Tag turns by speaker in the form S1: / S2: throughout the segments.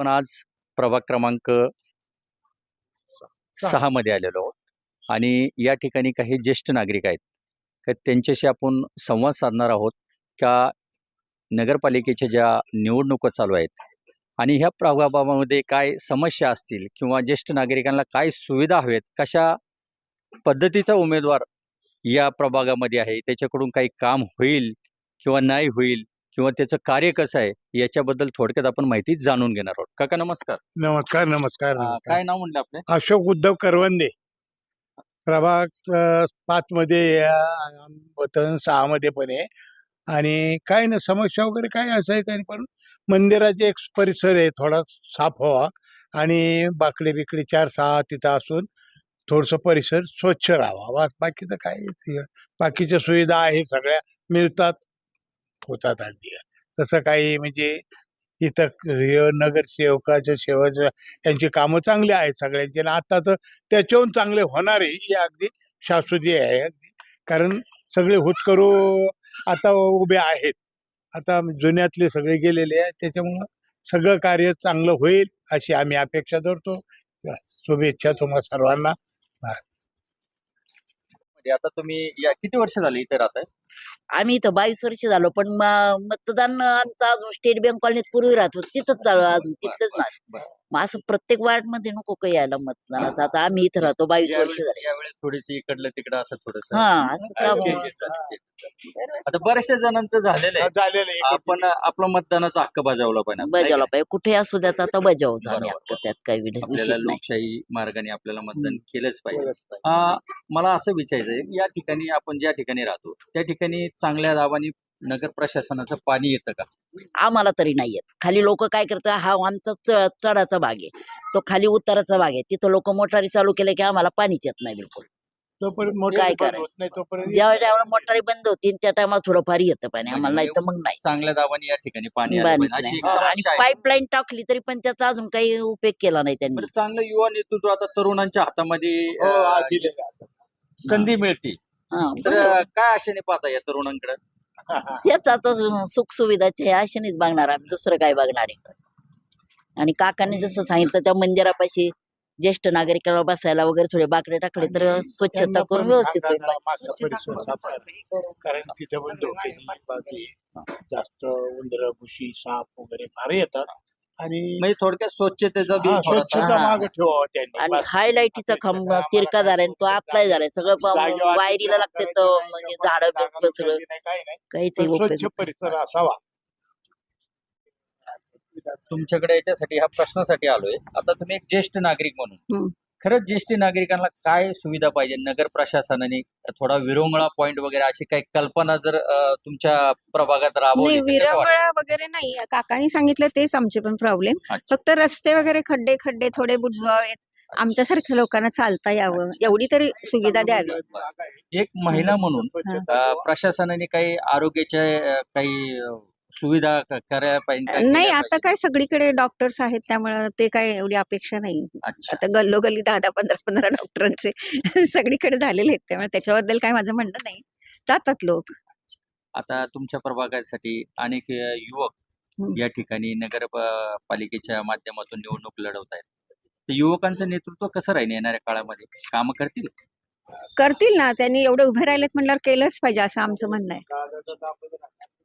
S1: आपण आज प्रभाग क्रमांक 6 मध्ये आलेलो आहोत आणि या ठिकाणी काही ज्येष्ठ नागरिक आहेत तर त्यांच्याशी आपण संवाद साधणार आहोत का नगरपालिकेच्या ज्या निवडणुका चालू आहेत आणि ह्या प्रभागामध्ये काय समस्या असतील किंवा ज्येष्ठ नागरिकांना काय सुविधा हवेत, कशा पद्धतीचा उमेदवार या प्रभागामध्ये आहे, त्याच्याकडून काही काम होईल किंवा नाही होईल किंवा त्याचं कार्य कसं आहे याच्याबद्दल थोडक्यात आपण माहिती जाणून घेणार आहोत. काका नमस्कार.
S2: नमस्कार नमस्कार नमस्कार.
S1: काय नाव म्हणलं आपले?
S2: अशोक उद्धव करवंदे, प्रभाग 5 मध्ये वतन 6 मध्ये पण आहे. आणि काय ना समस्या वगैरे काय असं आहे काही, पण मंदिराचे एक परिसर आहे थोडा साफ व्हावा आणि बाकडे बिकडे 4-6 तिथं असून थोडस परिसर स्वच्छ राहावा. बाकीचं काय, बाकीच्या सुविधा आहे सगळ्या मिळतात, होतात अगदी. तसं काही म्हणजे इथं नगरसेवकाच्या सेवाच्या यांची कामं चांगली आहेत सगळ्यांची, आणि आता तर त्याच्याहून चांगले होणार आहे हे अगदी शाश्वती आहे अगदी. कारण सगळे हुतकरू आता उभे आहेत, आता जुन्यातले सगळे गेलेले आहेत, त्याच्यामुळं सगळं कार्य चांगलं होईल अशी आम्ही अपेक्षा धरतो. शुभेच्छा तुम्हा सर्वांना.
S1: आता तुम्ही या किती वर्ष झाले इथे राहताय?
S3: आम्ही इथं 22 वर्ष झालो, पण मतदान आमचं अजून स्टेट बँक कॉलनीत पूर्वी राहतो तिथंच चालू अजून तिथलंच नाही. मग असं प्रत्येक वार्ड मध्ये नको काही यायला मतदानात. आता आम्ही इथं राहतो 22 वर्ष झाले.
S1: यावेळेस थोडीशी इकडलं तिकडं असं थोडंसं
S3: असं काम
S1: आता बऱ्याचशा जणांचं झालेलं आहे.
S2: झालेलं आहे.
S1: आपण आपला मतदानाचा हक्क बजावला पाहिजे.
S3: बजावला पाहिजे, कुठे असू द्यात आता बजावच आम्ही
S1: बरोबर.
S3: हक्क, त्यात काही
S1: आपल्याला
S3: विशेष नाही.
S1: लोकशाही मार्गाने आपल्याला मतदान केलंच पाहिजे. मला असं विचारायचं आहे, या ठिकाणी आपण ज्या ठिकाणी राहतो त्या ठिकाणी चांगल्या दाबाने नगर प्रशासनाचं पाणी येतं का?
S3: आम्हाला तरी नाही येत. खाली लोक काय करतात, हा आमचा चढाचा भाग आहे, तो खाली उताराचा भाग आहे, तिथं लोक मोटारी चालू केले की आम्हाला पाणीच येत नाही बिलकुल.
S2: तोपर्यंत
S3: काय
S2: मोठा
S3: करायचं?
S2: होत नाही तोपर्यंत
S3: ज्या वेळेला मोटारी बंद होतील त्या टायमाला थोडंफार येतं पाणी आम्हाला, नाही तर मग नाही.
S1: चांगल्या दाबाने या ठिकाणी पाणी आलं
S3: पाणीच
S1: पाहिजे, अशी
S3: नाही.
S1: एक
S3: आणि
S1: समस्या आहे.
S3: पाईपलाईन टाकली तरी पण त्याचा अजून काही उपयोग केला नाही त्यांनी.
S1: बरं, चांगलं युवा नेतृत्व आता तरुणांच्या हातामध्ये संधी मिळते, तर काय आशेने पाहता या तरुणांकडे?
S3: हेच आता सुख सुविधाचे आशेनेच बघणार आम्ही, दुसरं काय बघणार आहे. आणि काकांनी जसं सांगितलं त्या मंदिरापाशी ज्येष्ठ नागरिकांना बसायला वगैरे थोडे बाकडे टाकले तर स्वच्छता करून व्यवस्थित होईल.
S2: मागचा परिसर साफ करा. कारण तिथे पण धोक्याची बाजू आहे, जास्त उंदर भुशी साप वगैरे फार येतात. आणि
S1: म्हणजे थोडक्यात स्वच्छतेचा बी थोडासा
S2: स्वच्छता मागे ठेवावं त्यांनी.
S3: आणि हायलाईटीचा खांब तिरका झालाय, तो आतलाय झालाय, सगळं वायरीला लागते तो, म्हणजे झाडं सगळं काहीच
S2: स्वच्छ परिसर असावा.
S1: तुमच्याकडे याच्यासाठी ह्या प्रश्नासाठी आलोय. आता तुम्ही एक ज्येष्ठ नागरिक म्हणून खरंच ज्येष्ठ नागरिकांना काय सुविधा पाहिजे? नगर प्रशासनाने थोडा विरंगुळा पॉइंट वगैरे अशी काही कल्पना जर तुमच्या प्रभागात राबवली
S4: नाही,
S1: तर कसं वाटेल?
S4: विरंगुळा वगैरे नाही. काकांनी सांगितलं तेच आमचे पण प्रॉब्लेम.
S1: अच्छा.
S4: फक्त रस्ते वगैरे खड्डे थोडे बुजवावेत, आमच्यासारख्या लोकांना चालता यावं, एवढी तरी सुविधा द्यावी.
S1: एक महिला म्हणून प्रशासनाने काही आरोग्याच्या काही सुविधा करायला पाहिजे, काय
S4: नाही,
S1: केल्या
S4: आता
S1: पाहिजे?
S4: काय सगळीकडे डॉक्टर्स आहेत त्यामुळे ते काय एवढी अपेक्षा नाही.
S1: अच्छा.
S4: आता गल्लोगल्ली 10-10, 15-15 डॉक्टरांचे सगळीकडे झालेले आहेत, त्यामुळे त्याच्याबद्दल काय माझं म्हणणं नाही. जातात लोक.
S1: आता तुमच्या प्रभागासाठी अनेक युवक या ठिकाणी नगर पालिकेच्या माध्यमातून निवडणूक लढवत आहेत. तर युवकांचं नेतृत्व कसं राहील येणाऱ्या काळामध्ये? कामं
S4: करतील ना, त्यांनी एवढे उभे राहिलेत म्हणल्यावर केलंच पाहिजे असं आमचं म्हणणं आहे.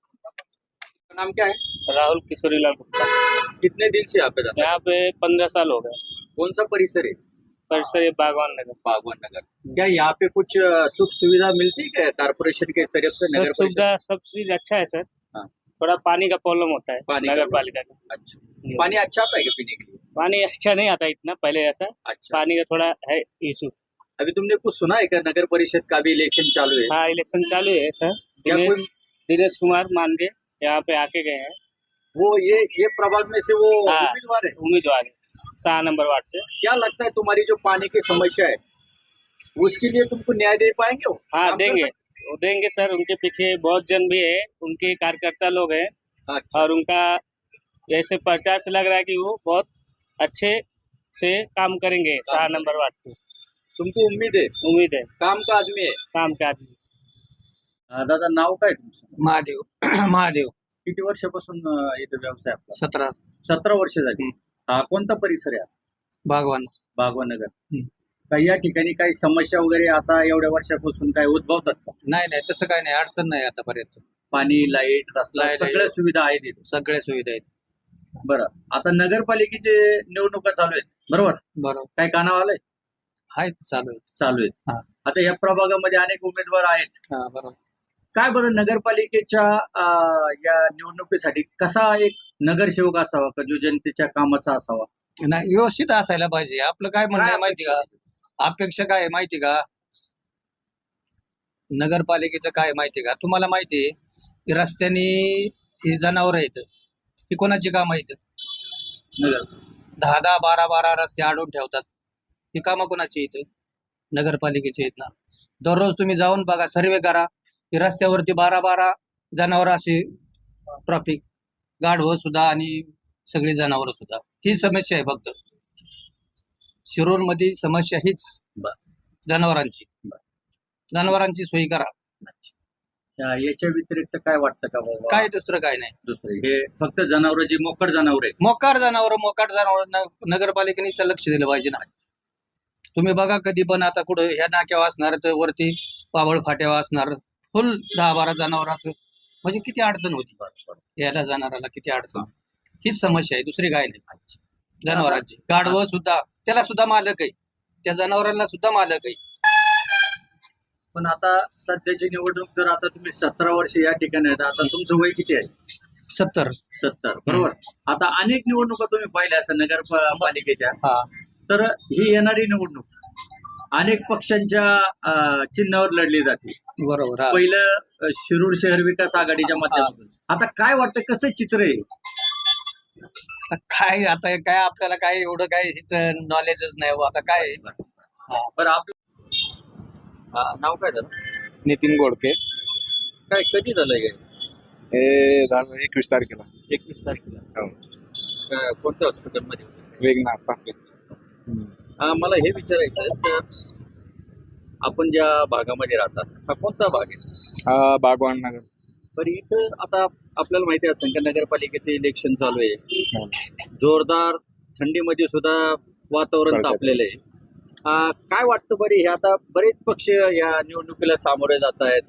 S1: नाम क्या है?
S5: राहुल किशोरीलाल गुप्ता।
S1: कितने दिन से यहाँ पे रहते हैं?
S5: यहाँ पे 15 साल हो गए।
S1: कौन सा परिसर है?
S5: परिसर ये बागवान नगर।
S1: बागवान नगर। क्या यहाँ पे कुछ सुख सुविधा मिलती है क्या कारपोरेशन के तरफ से?
S5: सब
S1: नगर
S5: सुविधा सब चीज अच्छा है सर।
S1: हाँ।
S5: थोड़ा पानी का प्रॉब्लम होता है
S1: पानी का
S5: नगर पालिका का।
S1: अच्छा, पानी अच्छा आता है क्या पीने के लिए?
S5: पानी अच्छा नहीं आता इतना पहले ऐसा।
S1: अच्छा,
S5: पानी का थोड़ा है इशू।
S1: अभी तुमने कुछ सुना है क्या? नगर परिषद का भी इलेक्शन चालू है।
S5: हाँ, इलेक्शन चालू है सर।
S1: क्या
S5: दिनेश कुमार मानगे यहाँ पे आके गए हैं।
S1: वो ये प्रभाग में से वो
S5: हाँ।
S1: उम्मीदवार है।
S5: उम्मीदवार है 6 नंबर वार्ड से।
S1: क्या लगता है तुम्हारी जो पानी की समस्या है उसके लिए तुमको न्याय दे पाएंगे वो?
S5: हाँ,
S1: काम कर
S5: देंगे
S1: सकते?
S5: वो देंगे सर। उनके पीछे बहुत जन भी है, उनके कार्यकर्ता लोग हैं।
S1: अच्छा।
S5: और उनका ऐसे प्रचार से लग रहा है कि वो बहुत अच्छे से काम करेंगे 6 नंबर वार्ड पे।
S1: तुमको उम्मीद है?
S5: उम्मीद है,
S1: काम का आदमी है।
S5: काम के आदमी।
S1: दादा नाव काय तुमचं?
S6: महादेव महादेव
S1: किती वर्षापासून इथे व्यवसाय आपला?
S6: 17
S1: 17 वर्ष झाली. हा कोणता परिसर आहे?
S6: बागवान.
S1: बागवान नगर.
S6: हं.
S1: काही या ठिकाणी काही समस्या वगैरे आता एवढ्या वर्षापासून काय उद्भवतात का?
S6: नाही तसं काय नाही, अडचण नाही आतापर्यंत.
S1: पाणी, लाईट, रस्ता
S6: लाईट,
S1: सगळ्या सुविधा आहेत इथे.
S6: सगळ्या सुविधा आहेत.
S1: बरं, आता नगरपालिकेचे निवडणुका चालू आहेत, बरोबर?
S6: बरोबर.
S1: काय कानावर आलंय?
S6: आहेत, चालू आहेत.
S1: चालू आहेत.
S6: हा.
S1: आता या प्रभागामध्ये अनेक उमेदवार आहेत.
S6: हा, बरोबर.
S1: काय बरं नगरपालिकेच्या या निवडणुकीसाठी कसा एक नगरसेवक असावा का जो जनतेच्या कामाचा असावा?
S6: नाही, व्यवस्थित असायला पाहिजे. आपलं काय म्हणणं आहे माहिती का? अपेक्षा काय आहे माहिती का? नगरपालिकेचं काय आहे माहिती का? तुम्हाला माहिती आहे की रस्त्याने ही जनावर आहेत, ही कोणाची काम आहेत?
S1: नगर
S6: 10-10, 12-12 रस्ते अडवून ठेवतात. ही कामं कोणाची आहेत? नगरपालिकेची आहेत ना. दररोज तुम्ही जाऊन बघा, सर्वे करा की रस्त्यावरती 12-12 जनावर अशी ट्रॉफिक, गाढवं सुद्धा आणि सगळी जनावरं सुद्धा. ही समस्या आहे फक्त शिरूरमध्ये. समस्या हीच
S1: बर.
S6: जनावरांची.
S1: बर.
S6: जनावरांची सोयी करा.
S1: याच्या व्यतिरिक्त काय वाटतं का बाबा?
S6: काय दुसरं काय नाही.
S1: दुसरे हे फक्त जनावर जी मोकड जनावर आहे.
S6: मोकाट जनावर नगरपालिकेने इथं लक्ष दिलं पाहिजे ना. तुम्ही बघा कधी पण आता कुठं ह्या नाक्यावर असणार तर वरती पाबळ फाट्यावर असणार फुल 10-12 जनावर असं, म्हणजे किती अडचण होती याला जनावराला, किती अडचण. हीच समस्या आहे, दुसरी काय नाही. जनावरांची गाढवं सुद्धा, त्याला सुद्धा मालक आहे, त्या जनावरांना सुद्धा मालक आहे.
S1: पण आता सध्याची निवडणूक जर आता तुम्ही 17 वर्ष या ठिकाणी आहेत, आता तुमचं वय किती आहे?
S6: 70.
S1: बरोबर. आता अनेक निवडणुका तुम्ही पाहिल्या असं नगरपालिकेच्या.
S6: हा.
S1: तर ही येणारी निवडणूक अनेक पक्षांच्या चिन्हावर लढली जाते.
S6: बरोबर. हा.
S1: पहिलं शिरूर शहर विकास आघाडीच्या माध्यमातून. आता काय वाटतं, कसं चित्र आहे?
S6: आता काय आपल्याला काय एवढं काय हिचं नॉलेजच नाही हो. आता काय
S1: बरं, आपलं नाव काय झालं?
S7: नितीन गोडके.
S1: काय कधी झालंय हे?
S7: हे झालं 21 तारखेला.
S1: 21 तारखेला.
S7: हो.
S1: कोणत्या हॉस्पिटलमध्ये?
S7: वेगनाथ तापे.
S1: मला हे विचारायचं आहे, तर आपण ज्या भागामध्ये राहतात हा कोणता भाग आहे?
S7: हा बागवान नगर.
S1: बरं, इथं आता आपल्याला माहिती असेल का नगरपालिकेचे इलेक्शन चालू आहे. जोरदार थंडीमध्ये सुद्धा वातावरण तापलेलं आहे. काय वाटतं बरे, हे आता बरेच पक्ष या निवडणुकीला सामोरे जात आहेत.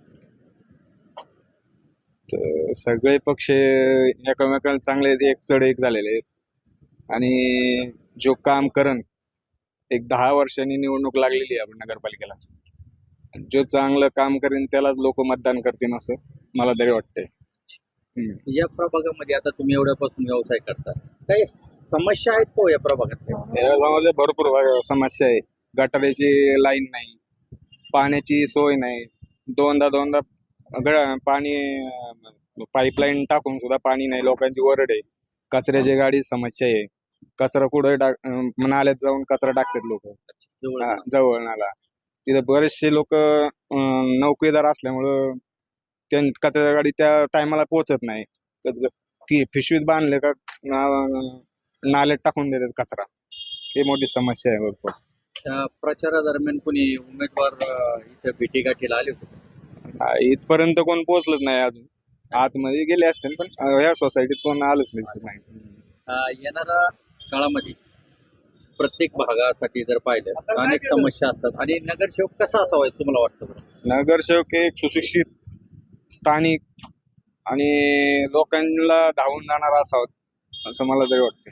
S7: तर सगळे पक्ष एकमेकांना चांगले एक चढ एक झालेले आहेत आणि जो काम करण, एक 10 वर्षांनी निवडणूक लागलेली आहे आपण नगरपालिकेला. जो चांगलं काम करेन त्यालाच लोक मतदान करतील असं मला तरी वाटतंय.
S1: या प्रभागामध्ये आता तुम्ही एवढ्यापासून व्यवसाय करता, काही समस्या आहेत का या प्रभागात?
S7: या गावामध्ये भरपूर समस्या आहे. गटाराची लाईन नाही, पाण्याची सोय नाही. दोनदा पाणी पाईपलाईन टाकून सुद्धा पाणी नाही. लोकांची वरड आहे. कचऱ्याची गाडी समस्या आहे. कचरा कुठे नाल्यात जाऊन कचरा टाकतात लोक जवळ नाला. तिथं बरेचसे लोक नोकरीदार असल्यामुळं कचऱ्याची गाडी त्या टायमाला पोहोचत नाही. की पिशवीत बांधले का नाल्यात टाकून देतात कचरा. ही मोठी समस्या आहे भरपूर.
S1: प्रचारादरम्यान कोणी उमेदवार इथं भेटीगाठीला आले होते?
S7: इथपर्यंत कोण पोहोचलंच नाही अजून. आतमध्ये गेले असतील पण ह्या सोसायटीत कोण आलंच नाही.
S1: येणाऱ्या काळामध्ये प्रत्येक भागासाठी जर पाहिलं तर अनेक समस्या असतात आणि नगरसेवक कसा असावा तुम्हाला वाटतं?
S7: नगरसेवक एक सुशिक्षित, स्थानिक आणि लोकांना धावून जाणारा असावा असं मला तरी वाटतं.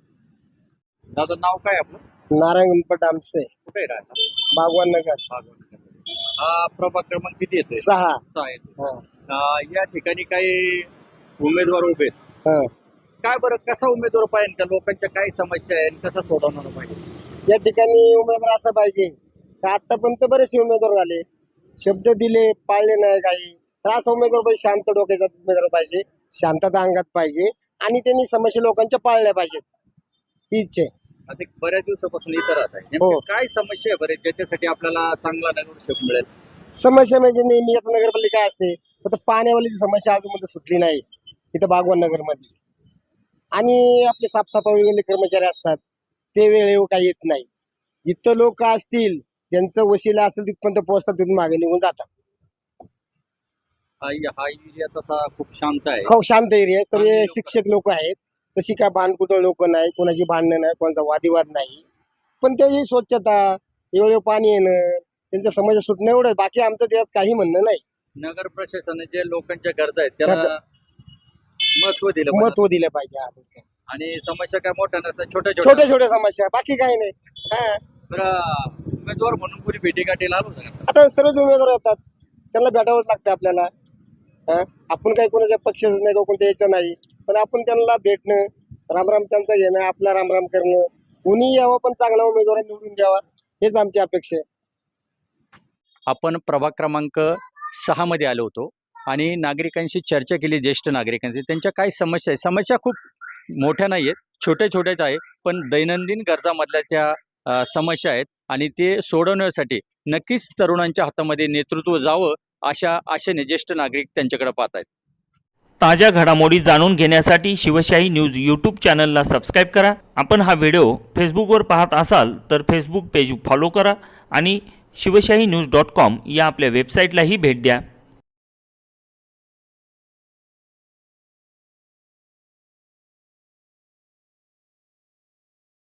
S1: दादा, नाव काय आपलं?
S2: नारायण गणपत आमचे,
S1: कुठे राहता?
S2: बागवान नगर.
S1: हा प्रभाग क्रमांक किती येते?
S2: 6.
S1: 6 येतो. या ठिकाणी काही उमेदवार उभे आहेत.
S2: हा.
S1: काय बरं, कसा उमेदवार पाहिजे का? लोकांच्या काय समस्या आहे, कसा सोडवणार पाहिजे?
S2: या ठिकाणी उमेदवार असा पाहिजे का आतापर्यंत बरेचसे उमेदवार झाले, शब्द दिले, पाळले नाही काही. तर असा उमेदवार पाहिजे, शांत डोक्याचा उमेदवार पाहिजे, शांतता अंगात पाहिजे आणि त्यांनी समस्या लोकांच्या पाळल्या पाहिजेत. ही इच्छा आहे.
S1: आता बऱ्याच दिवसापासून इथं राहत आहे.
S2: हो.
S1: काय समस्या आहे बरे ज्याच्यासाठी आपल्याला चांगला नगरसेवक मिळेल?
S2: समस्या म्हणजे नेहमी आता नगरपालिका असते, फक्त पाण्यावालीची समस्या अजून सुटली नाही इथं बागवान नगरमध्ये. आणि आपले साफसफाई वगैरे कर्मचारी असतात, ते वेळेवर काही येत नाही. जिथं लोक असतील त्यांचं वशिला असेल तिथपर्यंत पोहोचतात, तिथून मागे निघून जातात.
S1: हा एरिया तसा खूप शांत आहे.
S2: खूप शांत एरिया आहे. सर्व शिक्षक लोक आहेत
S8: तशी काय भांडकुदळ लोक नाही, कोणाची भांडणं नाही, कोणाचा वादिवाद नाही. पण त्याची स्वच्छता, एवढं पाणी येणं, त्यांच्या समस्या सुटणं एवढं, बाकी आमचं त्यात काही म्हणणं नाही.
S1: नगर प्रशासनाने जे लोकांच्या गरजा आहेत त्याला महत्व दिलं पाहिजे.
S8: महत्व दिलं पाहिजे.
S1: आणि समस्या काय मोठ्या नसतात, छोट्या
S8: छोट्या छोट्या समस्या, बाकी काही नाही. हा,
S1: बरं, उमेदवार म्हणून कोणी भेटीगाठीला आलो होतं का?
S8: आता सर्वच उमेदवार येतात, त्यांना भेटावंच लागतं आपल्याला. हा, आपण काही कोणाच्या पक्षाचं नाही, कोणत्या याचं नाही, पण आपण त्यांना भेटणं, रामराम त्यांचा घेणं, आपला रामराम करणं, कुणी यावं पण चांगला उमेदवार निवडून द्यावा, हेच आमची अपेक्षा आहे.
S1: आपण प्रभाग क्रमांक 6 मध्ये आलो होतो आणि नागरिकांशी चर्चा केली, ज्येष्ठ नागरिकांची. त्यांच्या काय समस्या आहे, समस्या खूप मोठ्या नाही आहेत, छोट्या छोट्याच आहे, पण दैनंदिन गरजामधल्या त्या समस्या आहेत आणि ते सोडवण्यासाठी नक्कीच तरुणांच्या हातामध्ये नेतृत्व जावं अशा आशेने ज्येष्ठ नागरिक त्यांच्याकडे पाहत आहेत.
S9: ताज्या घडामोडी जाणून घेण्यासाठी शिवशाही न्यूज यूट्यूब चॅनलला सबस्क्राईब करा. आपण हा व्हिडिओ फेसबुकवर पाहत असाल तर फेसबुक पेज फॉलो करा आणि शिवशाही न्यूज.com या आपल्या वेबसाईटलाही भेट द्या.